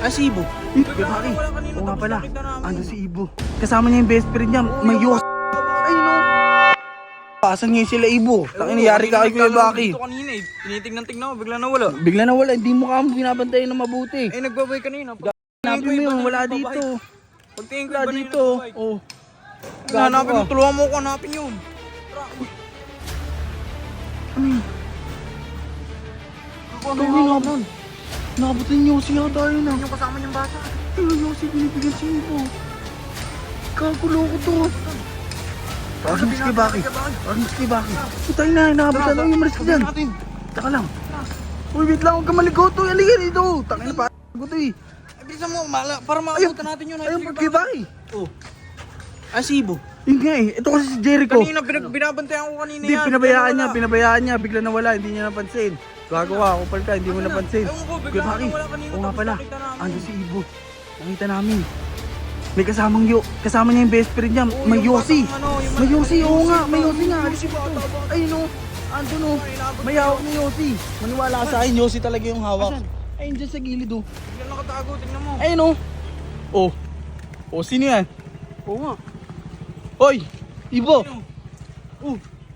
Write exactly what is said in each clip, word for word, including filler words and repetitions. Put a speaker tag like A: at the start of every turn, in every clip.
A: Ah, si Ibo.
B: Eh, Baki. Oo nga pala. Ando si Ibo. Kasama niya yung best friend niya. May yos. Ay no. Pasan niya sila Ibo. Takin nangyari ka kay Kuya Baki.
A: Dito kanina eh. Tinitignan-tignan ko, bigla nawala.
B: Bigla na wala. Hindi mo ka mo binabantayan na mabuti.
A: Eh, nagbabay kanina.
B: Hanapin mo yun. Wala dito.
A: Pagtingin ko
B: Wala
A: iba na
B: dito.
A: yung nagbabay.
B: Oh.
A: Hanapin mo, tulungan mo ko hanapin yun.
B: Ano yun?
A: Ano
B: Ito
A: yung
B: yung nun. Nakabutin niyo siya tayo na.
A: Yung kasama niyang bata.
B: Ayun yung si binibigyan si Ibo. Kagulo ko to. Parang mas kay Baki. Parang mas kay Baki. Putay na. Nakabutan na yung malis ka dyan. Taka lang. Uy, wait lang. Huwag ka maligaw to. Halika dito. Taka na parang ko to eh.
A: Eh, bilisan mo, mala, para makabutan natin yun.
B: Ayun pag kay Baki.
A: Oh. Ah, si Ibo.
B: Yun nga eh. Ito kasi si Jericho.
A: Kanina, pinag binabantayan ko kanina
B: Hindi,
A: yan.
B: pinabayaan niya. Pinabayaan niya. Bigla nawala. Hindi niya napansin. Gago ka. Kupal ka. Hindi mo napansin.
A: Ewan ko, bigla
B: Kuya Baki.
A: nawala kanina.
B: Oo nga
A: Tapos
B: pala.
A: nakita namin.
B: Ando si Ibo. Nakita namin. May kasamang yo. Kasama niya yung best friend niya.
A: Oo,
B: May
A: yung
B: Yossi.
A: batang ano, yung
B: May Yossi.
A: yung
B: Oo
A: Yossi
B: nga.
A: ba?
B: May Yossi nga.
A: Yossi ba? Tama ba?
B: Ay no. Ando no. May hawak ni Yossi. Maniwala ka sa akin. Yossi talaga yung hawak. Ayun dyan sa gilid oh.
A: Bigla nakatago, tingnan mo.
B: Ayun oh. Oh. Oh, sino yan?
A: Oo nga.
B: Hoy. Ibo.
A: Oh.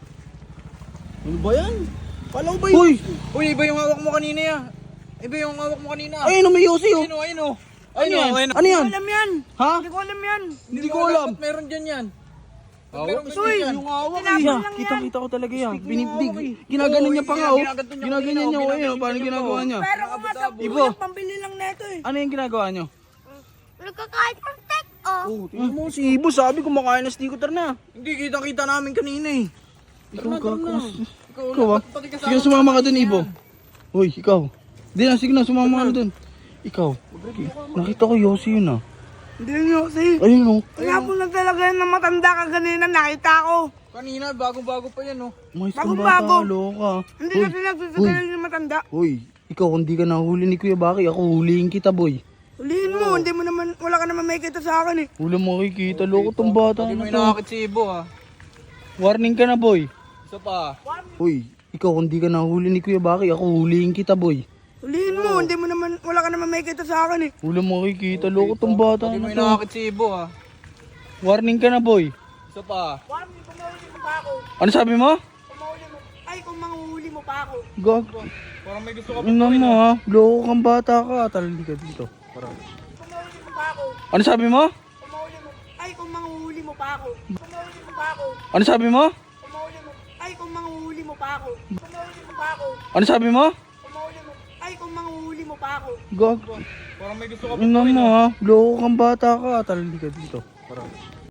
B: Ano ba yan?
A: Palaw ba
B: Uy.
A: Uy, iba yung hawak mo kanina ya. Iba yung hawak mo kanina.
B: Ayun oh. May Yossi oh.
A: Ayun o, ayun o.
B: Ano yan?
A: Ayun o.
B: Ano yan?
A: alam yan.
B: Ha?
A: Hindi ko alam yan.
B: Hindi ko alam.
A: Ba't meron dyan yan?
B: Hawak?
A: Meron ba dyan?
B: Yung hawak
A: Tinapon
B: eh.
A: lang yan.
B: Kita-kita ko talaga yan.
A: Stick mo
B: Binibig.
A: hawak eh.
B: Ginaganon niya pa nga oh.
A: Ginaganto niya
B: Ginaganyan
A: kanina,
B: niya oh.
A: oh.
B: Ayun oh. Paano
A: Ginaganyan
B: ginagawa
A: niya
B: niya?
C: Pero kung nga sa
B: Ibo.
C: buhay, pambili lang neto eh.
B: Ano yung ginagawa niyo?
C: Nagkakahit ng tek, oh.
B: Oh, tingnan mo si Ibo. Sabi kumakain na sticker na.
A: Hindi, kita-kita namin kanina eh.
B: Ikaw
A: na,
B: ka.
A: tara na. Ikaw,
B: Ikaw ah.
A: pati kasama
B: Sige, sumama ka dun, Ibo. Uy, ikaw. Hindi na, sige na, sumama ka na dun. Ikaw. Nakita ko Yossi yun ah.
C: Hindi lang yun kasi.
B: Ayun oh.
C: Tinapon lang talaga yan ng matanda ka ganina, nakita ko.
A: Kanina, bagong-bago pa yan oh.
B: Mais kang
C: Bago-bago.
B: bata, loka.
C: Hindi
B: Uy,
C: kasi nagsasagalan yung matanda.
B: Uy, ikaw kung di ka nahuli ni Kuya Baki, ako huliin kita, boy.
C: Huliin mo, hindi mo naman, wala ka naman may kita sa akin eh.
B: Wala makikita, loko tong bata
A: Hindi mo
B: na to.
A: inakakit si Ibo ah.
B: Warning ka na, boy.
A: Isa pa.
B: Uy, ikaw kung di ka nahuli ni Kuya Baki, ako huliin kita, boy.
C: Huliin mo, hindi mo naman, wala ka naman may kita sa akin eh.
B: Wala makikita, loko tong bata
A: Hindi mo
B: na to.
A: inakakit si Ibo ah.
B: Warning ka na, boy.
A: Isa pa.
C: Juan, kung mahuli mo pa ako.
B: Ano sabi mo?
C: Kung mahuli mo, ay kung manguhuli mo pa ako.
B: Gag.
A: Parang may gusto ka pa.
B: Ina mo ha, loko kang bata ka. Talali ka dito. Para.
C: Kung mahuli mo pa ako.
B: Ano sabi mo?
C: Kung mahuli mo, ay kung manguhuli mo pa ako. Kung mahuli mo pa ako.
B: Ano sabi mo?
C: Kung mahuli mo, ay kung manguhuli mo pa ako. Kung mahuli mo pa ako.
B: Ano sabi mo?
C: Kung mahuli mo, ay kung manguhuli mo pa ako.
B: Gag.
A: Parang may gusto ka pa.
B: Ina mo ha, loko kang bata ka. Talali ka dito. Para.